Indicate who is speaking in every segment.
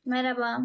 Speaker 1: Merhaba.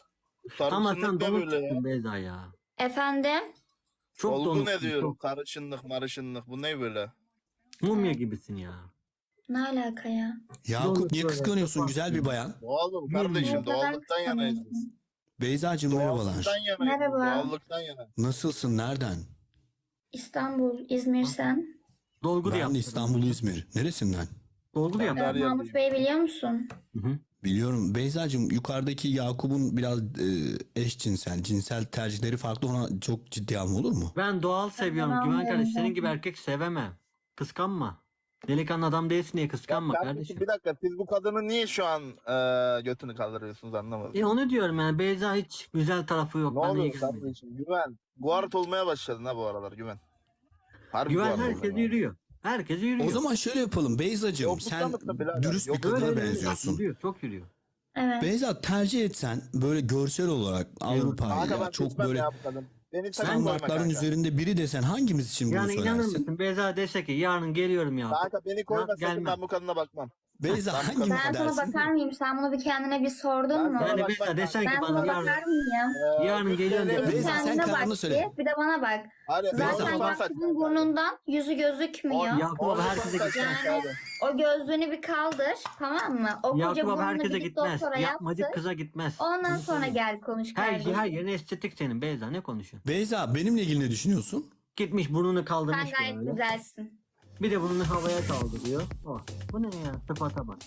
Speaker 2: Ama sen
Speaker 3: Sarışınlık ne
Speaker 2: donuk
Speaker 3: böyle ya?
Speaker 2: çıktın Beyza ya.
Speaker 1: Efendim?
Speaker 2: Çok
Speaker 3: Olgu
Speaker 2: donuk.
Speaker 3: ne diyorum? Sarışınlık marışınlık bu ne böyle?
Speaker 2: Mumya gibisin ya.
Speaker 1: Ne alaka ya?
Speaker 4: Yakup
Speaker 2: Donuk
Speaker 4: niye
Speaker 2: böyle,
Speaker 4: kıskanıyorsun
Speaker 2: kapat
Speaker 4: güzel
Speaker 2: ya.
Speaker 4: bir bayan?
Speaker 3: Doğalım
Speaker 2: Bilmiyorum.
Speaker 3: kardeşim
Speaker 1: Neden
Speaker 3: doğallıktan yanayız biz.
Speaker 1: kıskanıyorsun?
Speaker 4: Beyzacığım
Speaker 3: Doğallıktan
Speaker 4: merhabalar.
Speaker 3: yanayız
Speaker 1: Merhaba.
Speaker 3: biz. Doğallıktan yanayız.
Speaker 4: Nasılsın? Nereden?
Speaker 1: İstanbul, İzmir sen?
Speaker 2: Dolgu da
Speaker 4: Ben
Speaker 2: yaptın.
Speaker 4: İstanbul, İzmir. Neresinden?
Speaker 2: Dolgu da
Speaker 3: Ben
Speaker 2: yaptın.
Speaker 3: Her yer
Speaker 1: Mahmut Bey'i biliyor musun?
Speaker 2: Hı hı.
Speaker 4: Biliyorum. Beyzacığım yukarıdaki Yakup'un biraz eşcinsel, cinsel tercihleri farklı. Ona çok ciddi alma olur mu?
Speaker 2: Ben doğal seviyorum. Güven
Speaker 1: anlıyorum
Speaker 2: kardeş senin
Speaker 1: zaten.
Speaker 2: gibi erkek sevemem. Kıskanma. Delikanlı adam değilsin diye kıskanma
Speaker 3: Kardeşim,
Speaker 2: kardeşim.
Speaker 3: bir dakika siz bu kadını niye şu an götünü kaldırıyorsunuz anlamadım.
Speaker 2: Onu diyorum yani Beyza hiç güzel tarafı yok.
Speaker 3: Ne
Speaker 2: Bana iyi
Speaker 3: oluyor
Speaker 2: gelmedi.
Speaker 3: kardeşim güven. Guart olmaya başladın ha bu aralar güven. Harbi
Speaker 2: Güven
Speaker 3: guart
Speaker 2: herkes
Speaker 3: oldun ha.
Speaker 2: yürüyor. Herkes yürüyor.
Speaker 4: O zaman şöyle yapalım. Beyzacığım
Speaker 3: Yoklukta
Speaker 4: sen
Speaker 3: mısın birader?
Speaker 4: dürüst bir
Speaker 3: Yoklukta
Speaker 4: kadına
Speaker 2: Öyle, öyle,
Speaker 4: benziyorsun.
Speaker 2: Yürüyor, çok yürüyor.
Speaker 1: Evet.
Speaker 4: Beyza tercih etsen böyle görsel olarak
Speaker 3: Kanka
Speaker 4: Avrupa'yla
Speaker 3: ben
Speaker 4: çok
Speaker 3: seçmem
Speaker 4: böyle
Speaker 3: ya bu kadın. Beni sakın koyma
Speaker 4: standartların
Speaker 3: kanka.
Speaker 4: üzerinde biri desen hangimiz için bunu
Speaker 2: Yani inanır
Speaker 4: söylersin?
Speaker 2: mısın Beyza dese ki yarın geliyorum ya.
Speaker 3: Kanka beni koyma sakın
Speaker 2: gelmem.
Speaker 3: ben bu kadına bakmam.
Speaker 4: Beyza
Speaker 3: Ben bu
Speaker 4: hangimiz
Speaker 1: Ben sana
Speaker 4: dersin?
Speaker 1: bakar mıyım? Sen bunu bir kendine bir sordun
Speaker 3: Ben
Speaker 1: mu?
Speaker 3: sana-
Speaker 2: Yani
Speaker 3: bak,
Speaker 2: Beyza
Speaker 3: bak,
Speaker 2: desen ki
Speaker 1: Ben
Speaker 2: bana
Speaker 1: sana
Speaker 2: yarın,
Speaker 1: bakar mıyım?
Speaker 2: yarın geliyorum
Speaker 1: Bir
Speaker 2: dedi.
Speaker 4: Beyza, sen
Speaker 1: kendine
Speaker 4: kararını
Speaker 1: bak
Speaker 4: söyle.
Speaker 1: bir de bana bak.
Speaker 3: Hadi
Speaker 4: Beyza,
Speaker 1: Zaten
Speaker 4: bak.
Speaker 1: Yakup'un burnundan yüzü gözükmüyor.
Speaker 2: Yakup abi herkese gitmez.
Speaker 1: Yani o gözlüğünü bir kaldır, tamam mı? O koca
Speaker 2: Yakup abi
Speaker 1: burnunu
Speaker 2: herkese
Speaker 1: bir git
Speaker 2: gitmez.
Speaker 1: doktora
Speaker 2: Yapmacık
Speaker 1: yaptır.
Speaker 2: kıza gitmez.
Speaker 1: Ondan sonra gel konuş
Speaker 2: Her
Speaker 1: kardeşim.
Speaker 2: yerine estetik senin Beyza ne konuşuyorsun?
Speaker 4: Beyza benimle ilgili ne düşünüyorsun?
Speaker 2: Gitmiş burnunu kaldırmış
Speaker 1: Sen gayet
Speaker 2: böyle.
Speaker 1: güzelsin.
Speaker 2: Bir de burnunu havaya kaldırıyor. Oh. Bu ne ya? Sıfata bak.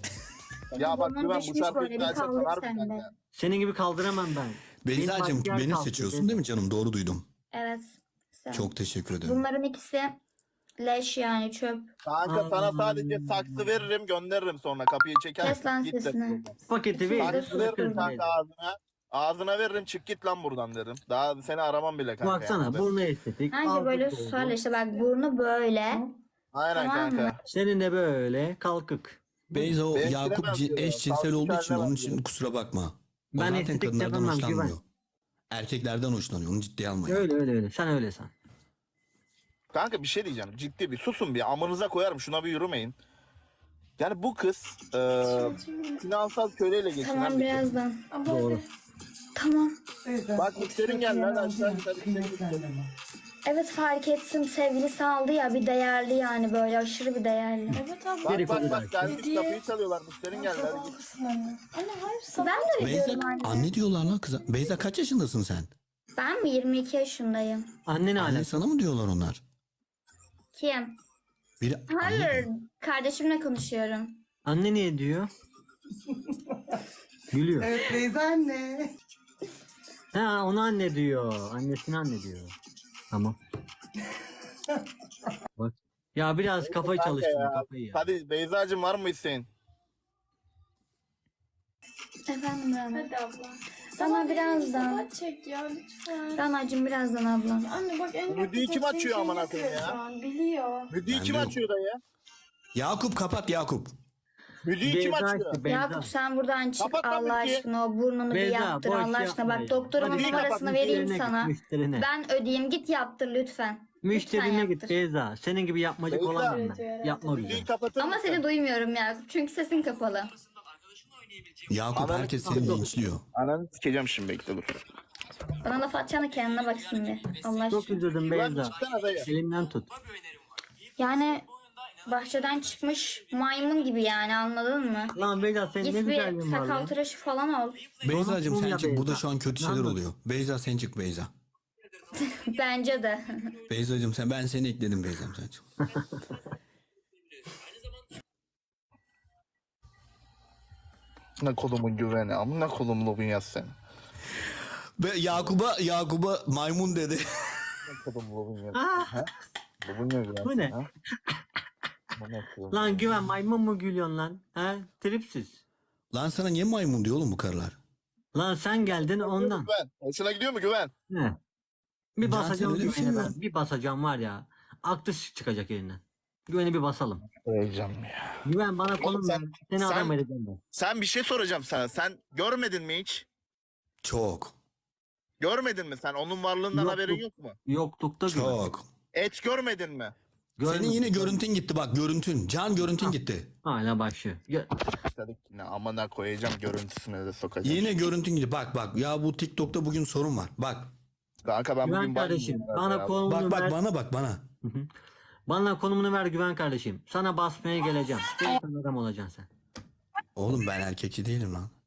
Speaker 3: Ya bak
Speaker 1: Burnun
Speaker 3: güven bu
Speaker 1: düşmüş
Speaker 3: şarkıyı
Speaker 1: böyle, bir
Speaker 3: dinlersen
Speaker 1: kaldır
Speaker 3: harbi
Speaker 1: sen de.
Speaker 3: kanka.
Speaker 2: Senin gibi kaldıramam ben.
Speaker 4: Beyzacığım
Speaker 2: makyaj
Speaker 4: beni
Speaker 2: kalktı,
Speaker 4: seçiyorsun
Speaker 2: Beyza.
Speaker 4: değil mi canım? Doğru duydum.
Speaker 1: Evet. Sen.
Speaker 4: Çok teşekkür ederim.
Speaker 1: Bunların ikisi leş yani çöp.
Speaker 3: Kanka sana sadece saksı veririm gönderirim sonra kapıyı çeker.
Speaker 1: Kes lan
Speaker 3: git de.
Speaker 1: sesini.
Speaker 2: Paketi
Speaker 1: Siz de
Speaker 2: ver.
Speaker 1: sus.
Speaker 3: Veririm kanka ağzına. Ağzına veririm çık git lan buradan derim. Daha seni aramam bile kanka.
Speaker 2: Baksana
Speaker 3: yani.
Speaker 2: burnu estetik.
Speaker 1: Anca
Speaker 2: ağzı
Speaker 1: böyle
Speaker 2: dolgu.
Speaker 1: susarlar işte bak burnu böyle.
Speaker 3: Aynen
Speaker 1: Tamam mı?
Speaker 3: kanka.
Speaker 2: Senin de böyle kalkık.
Speaker 4: Beyza o
Speaker 3: Ben
Speaker 4: Yakup
Speaker 3: giremem diyor.
Speaker 4: eşcinsel
Speaker 3: Sağlık
Speaker 4: olduğu için
Speaker 3: haline
Speaker 4: onun
Speaker 3: bak
Speaker 4: için
Speaker 3: diyor.
Speaker 4: kusura bakma. O
Speaker 2: Ben
Speaker 4: zaten
Speaker 2: estetik
Speaker 4: kadınlardan
Speaker 2: yapamam,
Speaker 4: hoşlanmıyor.
Speaker 2: güven.
Speaker 4: Erkeklerden hoşlanıyor. Onu ciddiye alma. ya.
Speaker 2: Öyle. Sen öyle san.
Speaker 3: Kanka bir şey diyeceğim. Ciddi bir susun bir amınıza koyarım şuna bir yürümeyin. Yani bu kız finansal köleyle geçinen
Speaker 1: Tamam
Speaker 3: bir kız.
Speaker 1: birazdan.
Speaker 2: Doğru.
Speaker 1: Tamam.
Speaker 3: Bak müşterin geldi lan aşağı yukarı
Speaker 1: Evet fark ettim sevgilisi aldı ya bir değerli yani böyle aşırı bir değerli.
Speaker 5: Evet abla.
Speaker 3: Bak
Speaker 2: Dedikodu
Speaker 3: bak gelmiş
Speaker 5: Hediye.
Speaker 3: kapıyı çalıyorlar müşterin geldi. Hadi git.
Speaker 5: Sabahlasın anne. Anne hayır sabah.
Speaker 1: Ben de öyle
Speaker 4: Beyza
Speaker 1: diyorum anne.
Speaker 4: anne diyorlar lan kıza. Beyza kaç yaşındasın sen?
Speaker 1: Ben mi 22 yaşındayım?
Speaker 2: Annen
Speaker 4: Anne
Speaker 2: hala.
Speaker 4: sana mı diyorlar onlar?
Speaker 1: Kim?
Speaker 4: Biri
Speaker 1: Hayır kardeşimle konuşuyorum.
Speaker 2: Anne niye diyor? Gülüyor.
Speaker 5: Evet Beyza anne.
Speaker 2: Ha onu anne diyor. Annesini anne diyor. Tamam. Bak. Ya biraz kafayı
Speaker 3: Kanka
Speaker 2: çalıştır
Speaker 3: ya.
Speaker 2: kafayı ya.
Speaker 3: Hadi Beyza'cığım var mı isteğin?
Speaker 1: Efendim Rana.
Speaker 5: Hadi abla.
Speaker 1: Sana birazdan.
Speaker 5: Sabah çek ya lütfen.
Speaker 1: Rana'cığım birazdan ablam.
Speaker 5: Anne bak en
Speaker 3: Müdüğü kim
Speaker 5: seçtiğin
Speaker 3: açıyor
Speaker 5: şeyi
Speaker 3: amına koyayım
Speaker 5: yapıyor
Speaker 3: ya?
Speaker 5: şu an, biliyor.
Speaker 3: Müdüğü
Speaker 4: Ben
Speaker 3: kim
Speaker 4: de-
Speaker 3: açıyor da ya?
Speaker 4: Yakup kapat Yakup.
Speaker 3: Müdüğü kim
Speaker 2: Beyza
Speaker 3: açıyor?
Speaker 2: işte, Beyza.
Speaker 1: Yakup sen buradan çık
Speaker 3: Kapat lan
Speaker 1: Allah
Speaker 3: müziği.
Speaker 1: aşkına o burnunu bir
Speaker 2: Beyza,
Speaker 1: yaptır
Speaker 2: boş
Speaker 1: Allah aşkına.
Speaker 2: yapma
Speaker 1: Bak
Speaker 2: ya.
Speaker 1: doktorumun
Speaker 2: Hadi
Speaker 3: git,
Speaker 1: numarasını
Speaker 3: kapat,
Speaker 1: vereyim
Speaker 2: müşterine
Speaker 1: sana.
Speaker 2: git, müşterine.
Speaker 1: Ben ödeyeyim git yaptır lütfen.
Speaker 2: Müşterine
Speaker 1: Lütfen
Speaker 2: git
Speaker 1: yaptır.
Speaker 2: Beyza. Senin gibi yapmacık
Speaker 3: Beyza.
Speaker 2: olamam
Speaker 5: Evet,
Speaker 2: ben.
Speaker 5: evet.
Speaker 2: Yapma
Speaker 3: Müdüğü
Speaker 2: güzel.
Speaker 3: kapatır
Speaker 1: Ama
Speaker 3: mısın?
Speaker 1: seni duymuyorum Yakup çünkü sesin kapalı.
Speaker 4: Yakup
Speaker 3: Ananı-
Speaker 4: herkes seni linçliyor.
Speaker 3: Ananı sikeceğim şimdi bekle dur.
Speaker 1: Bana laf atacağına kendine bak şimdi. Allah
Speaker 2: Çok
Speaker 1: aşkına.
Speaker 2: üzüldüm
Speaker 3: Güven
Speaker 2: Beyza.
Speaker 3: çıksana dayı.
Speaker 2: Elimden tut.
Speaker 1: Yani bahçeden çıkmış maymun gibi yani anladın mı?
Speaker 2: Lan Beyza senin ne
Speaker 1: Git bir
Speaker 2: güzelliğin var
Speaker 1: sakal
Speaker 2: lan.
Speaker 1: tıraşı falan ol.
Speaker 4: Beyzacığım sen
Speaker 2: ya
Speaker 4: çık. Burada
Speaker 2: Beyza.
Speaker 4: şu an kötü şeyler
Speaker 2: Anladım.
Speaker 4: oluyor. Beyza sen çık Beyza.
Speaker 1: Bence de.
Speaker 4: Beyzacığım ben seni ekledim Beyza'm sen çık.
Speaker 3: Ne kolumun güveni ama ne kolumlu bu yaz sen.
Speaker 4: Ve Yakup'a maymun dedi.
Speaker 3: Ne kolumlu bu yaz.
Speaker 2: Ah,
Speaker 3: Bu ne güven?
Speaker 2: Bu ne?
Speaker 3: ha? Bu ne kolum?
Speaker 2: lan güven maymun mu gülüyorsun lan? He? Tripsiz.
Speaker 4: Lan sana niye maymun diyor oğlum bu karılar?
Speaker 2: Lan sen geldin ondan.
Speaker 3: Güven. Hoşuna gidiyor mu güven?
Speaker 2: He. Bir
Speaker 4: Zaten
Speaker 2: basacağım
Speaker 4: öyle bir şey
Speaker 2: güvene
Speaker 4: yok.
Speaker 2: ben. Bir basacağım var ya. Aklı çıkacak elinden. Güveni bir basalım.
Speaker 3: Söyleyeceğim ya.
Speaker 2: Güven bana konum ver.
Speaker 3: sen-
Speaker 2: Seni
Speaker 3: sen-
Speaker 2: adam edeceğim ben.
Speaker 3: Sen bir şey soracağım sana. Sen görmedin mi hiç?
Speaker 4: Çok.
Speaker 3: Görmedin mi sen? Onun varlığından
Speaker 2: Yok,
Speaker 3: haberin
Speaker 2: yok.
Speaker 3: yok mu?
Speaker 2: Yoklukta güven.
Speaker 4: Çok.
Speaker 3: Et görmedin mi?
Speaker 4: Senin yine görüntün gitti bak, görüntün. Can görüntün gitti.
Speaker 2: Hala başlıyor.
Speaker 3: İşte yine amına koyacağım görüntüsüne de sokacağım.
Speaker 4: Yine görüntün gitti. Bak ya bu TikTok'ta bugün sorun var. Bak.
Speaker 3: Kanka ben
Speaker 2: Güven
Speaker 3: bugün
Speaker 2: kardeşim
Speaker 3: bakmıyorum
Speaker 2: bana
Speaker 3: ya.
Speaker 2: konumunu
Speaker 4: Bak
Speaker 2: ver.
Speaker 4: bana bak bana.
Speaker 2: Bana konumunu ver Güven kardeşim. Sana basmaya geleceğim. Delikanlı adam olacaksın sen.
Speaker 4: Oğlum ben erkekçi değilim lan.